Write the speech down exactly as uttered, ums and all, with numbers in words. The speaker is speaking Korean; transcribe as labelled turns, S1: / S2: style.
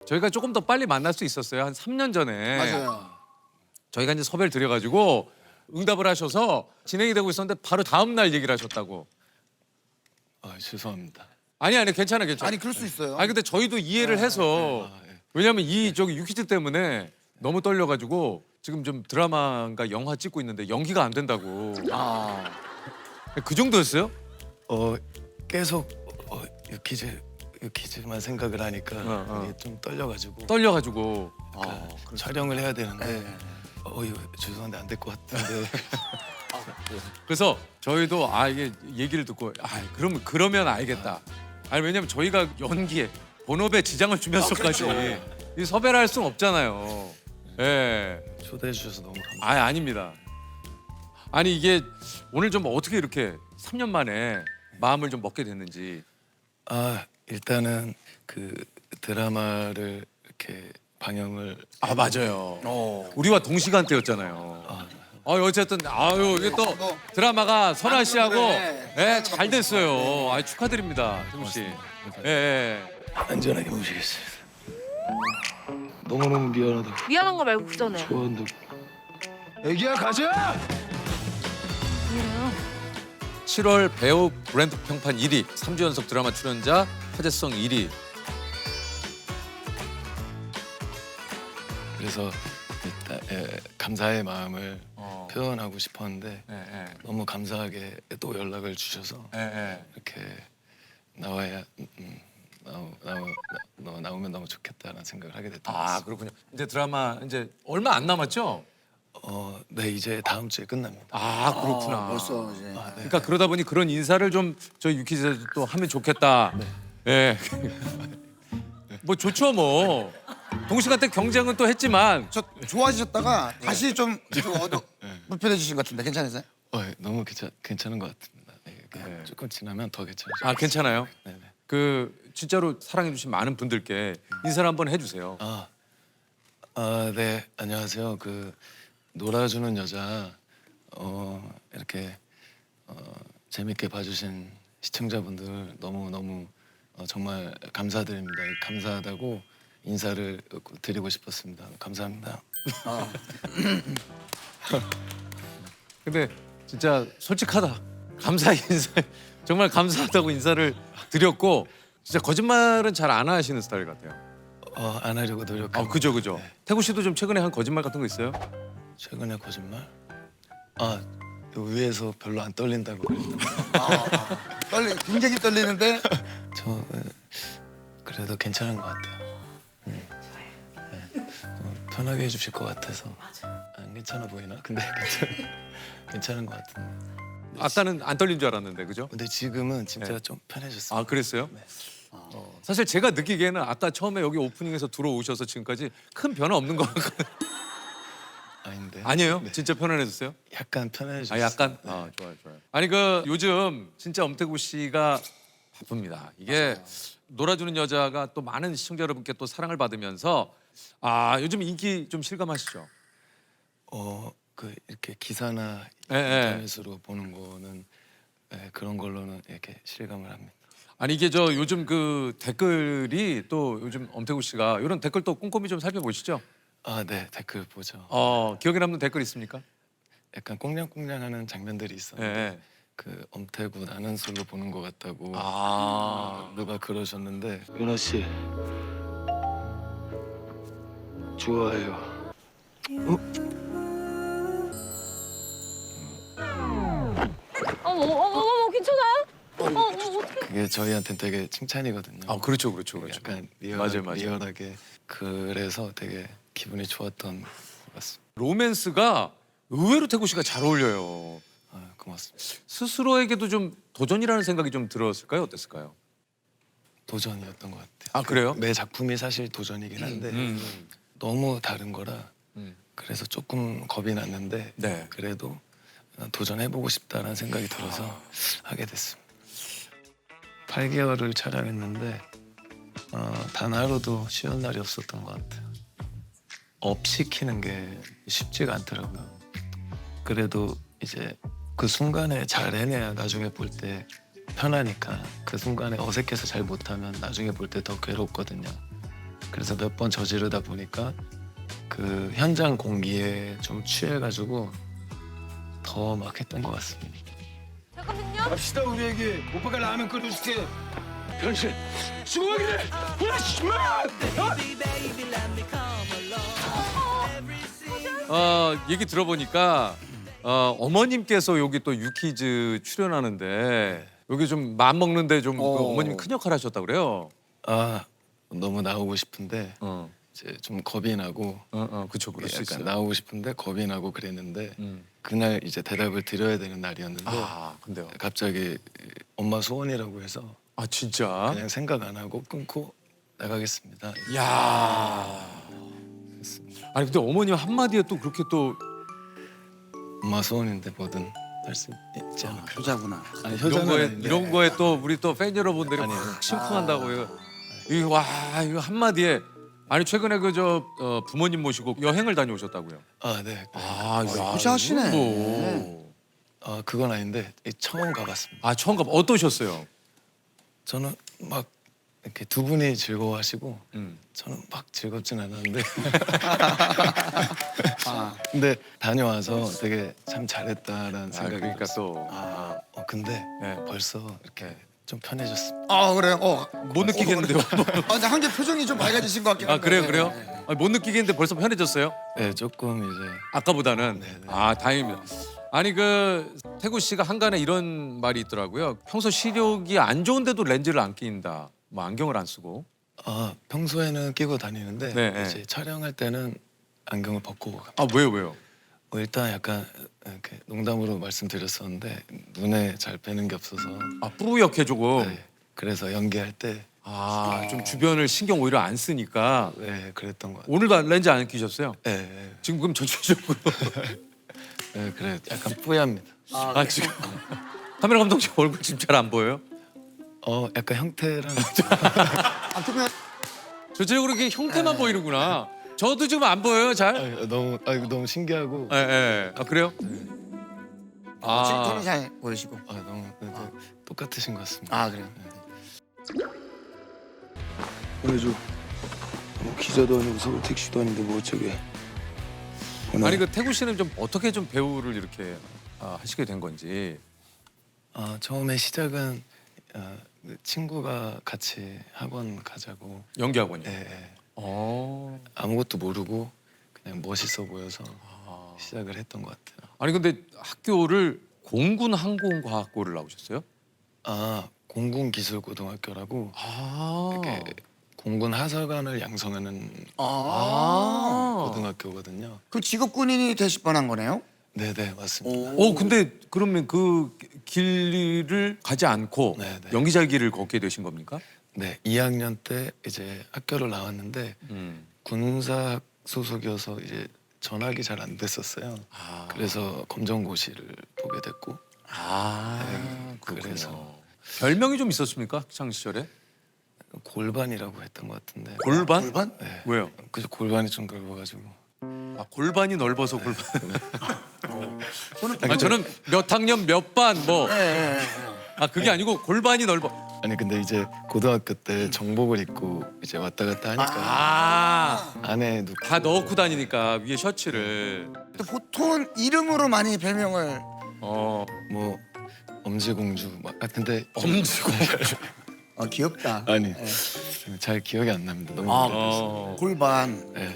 S1: 저희가 조금 더 빨리 만날 수 있었어요. 한 삼 년 전에.
S2: 맞아요.
S1: 저희가 이제 섭외를 드려가지고 응답을 하셔서 진행이 되고 있었는데 바로 다음 날 얘기를 하셨다고.
S3: 아, 죄송합니다.
S1: 아니 아니 괜찮아 괜찮아.
S2: 아니 그럴 수 있어요.
S1: 아니 근데 저희도 이해를 해서
S3: 아, 예.
S1: 왜냐면 이 저기 유퀴즈 때문에 너무 떨려가지고 지금 좀 드라마인가 영화 찍고 있는데 연기가 안 된다고.
S2: 아,
S1: 그 정도였어요?
S3: 어, 계속 어, 유퀴즈 유퀴즈만 생각을 하니까
S1: 어, 어.
S3: 이게 좀 떨려가지고
S1: 떨려가지고.
S3: 그러니까 촬영을 해야 되는데 어, 이거 죄송한데 안 될 것 같은데
S1: 그래서 저희도 아 이게 얘기를 듣고 아 그러면 그러면 알겠다. 아니 왜냐면 저희가 연기에 본업에 지장을 주면서까지 이 섭외를 할 수는 없잖아요. 예.
S3: 초대해 주셔서 너무 감사합니다.
S1: 아 아닙니다. 아니 이게 오늘 좀 어떻게 이렇게 삼 년 만에 마음을 좀 먹게 됐는지.
S3: 아, 일단은 그 드라마를 이렇게 방영을
S1: 아 맞아요.
S2: 어.
S1: 우리와 동시간대였잖아요. 아 어쨌든 아유 이게 또 드라마가 선아 씨하고
S2: 그래.
S1: 예, 잘 됐어요. 아 축하드립니다, 태국 씨. 예, 예.
S3: 안전하게 모시겠습니다. 너무너무 미안하다고
S4: 미안한 거 말고 그 전에.
S3: 좋아한다고.
S2: 애기야 가자.
S1: 칠월 배우 브랜드 평판 일 위, 삼 주 연속 드라마 출연자 화제성 일 위.
S3: 그래서 일단 예, 감사의 마음을
S1: 어.
S3: 표현하고 싶었는데
S1: 예, 예.
S3: 너무 감사하게 또 연락을 주셔서
S1: 예, 예.
S3: 이렇게 나와야 음, 나오, 나오, 나, 나오면 너무 좋겠다라는 생각을 하게 됐던 것
S1: 아
S3: 같습니다.
S1: 그렇군요. 이제 드라마 이제 얼마 안 남았죠?
S3: 어, 네 이제 다음 주에 끝납니다.
S1: 아 그렇구나.
S2: 아, 벌써 이제.
S1: 그러니까 그러다 보니 그런 인사를 좀 저희 유키즈에도 또 하면 좋겠다. 예. 뭐 좋죠 뭐. 동시간대 경쟁은 또 했지만
S2: 저 좋아지셨다가 다시 좀, 좀 어두 불편해지신 것 같은데 괜찮으세요?
S3: 어, 예, 너무 괜찮, 괜찮은 것 같습니다. 예, 그냥
S1: 네.
S3: 조금 지나면 더 괜찮아요.
S1: 아 괜찮아요?
S3: 네네.
S1: 그 진짜로 사랑해 주신 많은 분들께 인사를 한번 해주세요.
S3: 아, 아, 네 안녕하세요. 그 놀아주는 여자 어, 이렇게 어, 재밌게 봐주신 시청자분들 너무 너무 어, 정말 감사드립니다. 감사하다고 인사를 드리고 싶었습니다. 감사합니다.
S1: 근데 진짜 솔직하다. 감사 인사 정말 감사하다고 인사를 드렸고 진짜 거짓말은 잘 안 하시는 스타일 같아요.
S3: 어, 안 하려고 노력하고.
S1: 아 그죠 그죠.
S3: 네.
S1: 태구 씨도 좀 최근에 한 거짓말 같은 거 있어요?
S3: 최근에 거짓말? 아, 요 위에서 별로 안 떨린다고 그랬던 거.
S2: 아, 떨리, 굉장히 떨리는데
S3: 저 어, 그래도 괜찮은 것 같아요. 음. 네. 어, 편하게 해주실 것 같아서. 안 괜찮아 보이나? 근데 괜찮 괜찮은 것 같은데.
S1: 아까는 안 떨린 줄 알았는데 그죠?
S3: 근데 지금은 진짜
S1: 네.
S3: 좀 편해졌어요.
S1: 아 그랬어요?
S3: 네.
S1: 어, 사실 제가 느끼기에는 아까 처음에 여기 오프닝에서 들어오셔서 지금까지 큰 변화 없는 것 같거든요.
S3: 아닌데.
S1: 아니에요?
S3: 네.
S1: 진짜 편안해졌어요?
S3: 약간 편해졌어요.
S1: 아 약간?
S3: 네.
S1: 아 좋아요 좋아요. 아니 그 요즘 진짜 엄태구 씨가 바쁩니다. 이게 놀아주는 여자가 또 많은 시청자 여러분께 또 사랑을 받으면서 아 요즘 인기 좀 실감하시죠?
S3: 어, 그 이렇게 기사나
S1: 예, 예.
S3: 인터넷으로 보는 거는 예, 그런 걸로는 이렇게 실감을 합니다.
S1: 아니 이게 저 요즘 그 댓글이 또 요즘 엄태구 씨가 이런 댓글 또 꼼꼼히 좀 살펴보시죠?
S3: 아, 네 댓글 보죠.
S1: 어 기억에 남는 댓글 있습니까?
S3: 약간 꽁냥꽁냥하는 장면들이
S1: 예.
S3: 있었는데
S1: 예.
S3: 그 엄태구 나는 솔로 보는 것 같다고
S1: 아
S3: 누가 그러셨는데 윤아 씨 좋아해요.
S4: 어머 어머 어머 괜찮아요? 어 어머 어떡해.
S3: 그게 저희한테는 되게 칭찬이거든요.
S1: 아 그렇죠 그렇죠 그렇죠.
S3: 약간 리얼,
S1: 맞아요, 맞아요.
S3: 리얼하게 그래서 되게 기분이 좋았던 것 같습니다.
S1: 로맨스가 의외로 태구 씨가 잘 어울려요.
S3: 아, 고맙습니다.
S1: 스스로에게도 좀 도전이라는 생각이 좀 들었을까요? 어땠을까요?
S3: 도전이었던 것 같아요.
S1: 아, 그래요?
S3: 매 작품이 사실 도전이긴 한데
S1: 음.
S3: 너무 다른 거라
S1: 음.
S3: 그래서 조금 겁이 났는데
S1: 네.
S3: 그래도 도전해보고 싶다는 생각이 들어서 하게 됐습니다. 팔 개월을 촬영했는데 어, 단 하루도 쉬는 날이 없었던 것 같아요. 업 시키는 게 쉽지가 않더라고요. 그래도 이제 그 순간에 잘 해내야 나중에 볼 때 편하니까 그 순간에 어색해서 잘 못하면 나중에 볼 때 더 괴롭거든요. 그래서 몇 번 저지르다 보니까 그 현장 공기에 좀 취해가지고 더 막 했던 것 같습니다.
S4: 잠깐만요.
S5: 갑시다 우리에게 오빠가 라면 끓여줄게. 변신 수고하기를 후라시마.
S1: 어, 얘기 들어보니까 어, 어머님께서 여기 또 유키즈 출연하는데 여기 좀 마음 먹는데 좀 그
S2: 어.
S1: 어머님 큰 역할 하셨다 그래요.
S3: 아 너무 나오고 싶은데
S1: 어,
S3: 이제 좀 겁이 나고
S1: 어, 어, 그쵸, 그럴 수
S3: 약간
S1: 있어요.
S3: 나오고 싶은데 겁이 나고 그랬는데
S1: 음.
S3: 그날 이제 대답을 드려야 되는 날이었는데
S1: 아, 근데요.
S3: 갑자기 엄마 소원이라고 해서
S1: 아, 진짜?
S3: 그냥 생각 안 하고 끊고 나가겠습니다.
S1: 야. 아니 근데 어머님 한마디에 또 그렇게 또
S3: 엄마 소원인데 뭐든 할 수 있지
S2: 아,
S3: 않을까.
S2: 효자구나.
S3: 아니
S1: 이런
S3: 효자는
S1: 거에
S3: 아닌데.
S1: 이런 거에 또 우리 또 팬 여러분들이
S3: 아니,
S1: 막 심쿵한다고 이거 이거 와 이거 한마디에 아니 최근에 그 저 어, 부모님 모시고 여행을 다녀오셨다고요?
S3: 아 네.
S1: 아, 야,
S2: 효자시네.
S1: 이거 뭐.
S3: 아 그건 아닌데 처음 가봤습니다.
S1: 아 처음 가 어떠셨어요?
S3: 저는 막 이렇게 두 분이 즐거워하시고
S1: 음.
S3: 저는 막 즐겁진 않았는데
S2: 아,
S3: 근데 다녀와서 되게 참 잘했다라는
S1: 아,
S3: 생각이
S1: 그러니까
S3: 들었어요.
S1: 또
S2: 아.
S3: 어 근데
S1: 네.
S3: 벌써 이렇게 좀 편해졌습니다.
S2: 아 그래요? 어.
S1: 못 느끼겠는데요?
S2: 아, 근데 한 개 표정이 좀 밝아지신 것 같긴
S1: 아
S2: 한데.
S1: 그래요 그래요?
S2: 네, 네.
S1: 아, 못 느끼겠는데 벌써 편해졌어요?
S3: 네 조금 이제
S1: 아까보다는
S3: 네, 네.
S1: 아 다행입니다. 아니 그 태구 씨가 한간에 이런 말이 있더라고요. 평소 시력이 안 좋은데도 렌즈를 안 끼인다. 뭐 안경을 안 쓰고.
S3: 아 평소에는 끼고 다니는데
S1: 네, 네.
S3: 이제 촬영할 때는 안경을 벗고 갑니다.
S1: 아 왜요 왜요?
S3: 어, 일단 약간 이렇게 농담으로 말씀드렸었는데 눈에 잘 빼는 게 없어서
S1: 아 뿌옇게 조금.
S3: 네, 그래서 연기할 때
S1: 아 좀 주변을 신경 오히려 안 쓰니까.
S3: 네, 그랬던 것 같아요.
S1: 오늘도 렌즈 안 끼셨어요?
S3: 네, 네,
S1: 지금 그럼 전체적으로.
S3: 네, 그래 약간 뿌엽니다.
S1: 아 지금 카메라 감독님 얼굴 지금 잘 안 보여요?
S3: 어 약간 형태랑
S2: 아, 그러면
S1: 전체적으로 이렇게 형태만 보이는구나. 저도 지금 안 보여요 잘.
S3: 아, 너무 아 이거 너무 신기하고
S1: 예 예. 아 그래요? 아
S2: 톤이 잘 보이시고.
S3: 아 너무 네, 네, 똑같으신 것 같습니다.
S2: 아 그래요.
S5: 보내줘. 뭐 기자도 아니고 서울 택시도 아닌데 뭐 어쩌게.
S1: 아니 그 태구 씨는 좀 어떻게 좀 배우를 이렇게 아, 하시게 된 건지.
S3: 아 처음에 시작은 어, 그 친구가 같이 학원 가자고
S1: 연기 학원이요.
S3: 예, 예.
S1: 어.
S3: 아무것도 모르고 그냥 멋있어 보여서
S1: 아.
S3: 시작을 했던 것 같아요.
S1: 아니 근데 학교를 공군 항공과학고를 나오셨어요?
S3: 아 공군기술고등학교라고
S1: 아.
S3: 이렇게 공군 하사관을 양성하는
S2: 아.
S1: 아.
S3: 고등학교거든요.
S2: 그 직업 군인이 되실 뻔한 거네요?
S3: 네네 맞습니다.
S1: 어 근데 그러면 그 길을 가지 않고
S3: 네, 네.
S1: 연기자 길을 걷게 되신 겁니까?
S3: 네 이 학년 때 이제 학교를 나왔는데
S1: 음.
S3: 군사 소속이어서 이제 전학이 잘 안 됐었어요.
S1: 아.
S3: 그래서 검정고시를 보게 됐고
S1: 아.
S3: 네,
S1: 그래서
S3: 그래서.
S1: 별명이 좀 있었습니까 학창 시절에?
S3: 골반이라고 했던 것 같은데.
S1: 골반?
S2: 골반?
S3: 네.
S1: 왜요?
S3: 그래서 골반이 좀 넓어가지고.
S1: 아, 골반이 넓어서 골반.
S2: 저는
S1: 아, 저는 몇 학년 몇 반 뭐.
S2: 예, 예, 예.
S1: 아 그게 아니고 골반이 넓어.
S3: 아니 근데 이제 고등학교 때 정복을 입고 이제 왔다 갔다 하니까
S1: 아.
S3: 안에 누
S1: 다 넣고 다니니까 위에 셔츠를.
S2: 또 보통은 이름으로 많이 별명을
S1: 어.
S3: 뭐 엄지공주 막 아, 근데
S1: 엄지공.
S2: 어, 귀엽다.
S3: 아니
S2: 예.
S3: 잘 기억이 안 납니다. 너무
S2: 아,
S3: 오래돼서.
S1: 어.
S2: 골반.
S3: 네.